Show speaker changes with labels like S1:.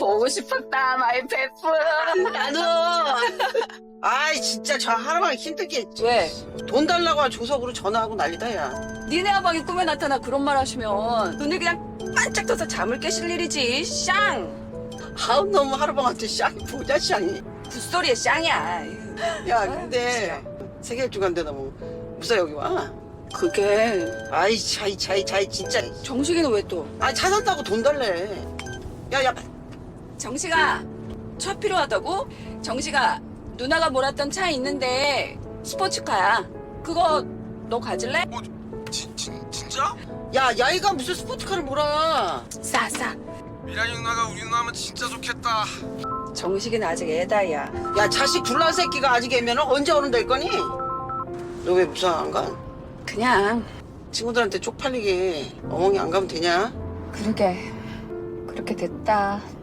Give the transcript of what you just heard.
S1: 보고 싶었다, 마이 페프.
S2: 나도. 아이 진짜 저 하루만 힘들게
S1: 왜?
S2: 돈 달라고 조석으로 전화하고 난리다 야.
S1: 니네 아방이 꿈에 나타나 그런 말 하시면 눈을 그냥 반짝 떠서 잠을 깨실 일이지. 쌍!
S2: 아우 너무 하루방한테 쌍이 보자 쌍이.
S1: 굿소리에 쌍이야.
S2: 야 근데 세계 주간데 너무 무사 여기 와.
S1: 그게
S2: 아이 차이 진짜.
S1: 정식이는 왜 또?
S2: 아이 차 산다고 돈 달래. 야야
S1: 정식아, 차 필요하다고? 정식아, 누나가 몰았던 차 있는데 스포츠카야. 그거 너 가질래?
S3: 진짜?
S2: 야 야이가 무슨 스포츠카를 몰아.
S1: 싸.
S3: 미란이 누나가 우리 누나면 진짜 좋겠다.
S1: 정식이는 아직 애다야.
S2: 야 자식 둘난 새끼가 아직 애면 언제 어른 될 거니? 너 왜 무사 안 가?
S1: 그냥
S2: 친구들한테 쪽팔리게 어멍이 안 가면 되냐?
S1: 그러게 그렇게 됐다.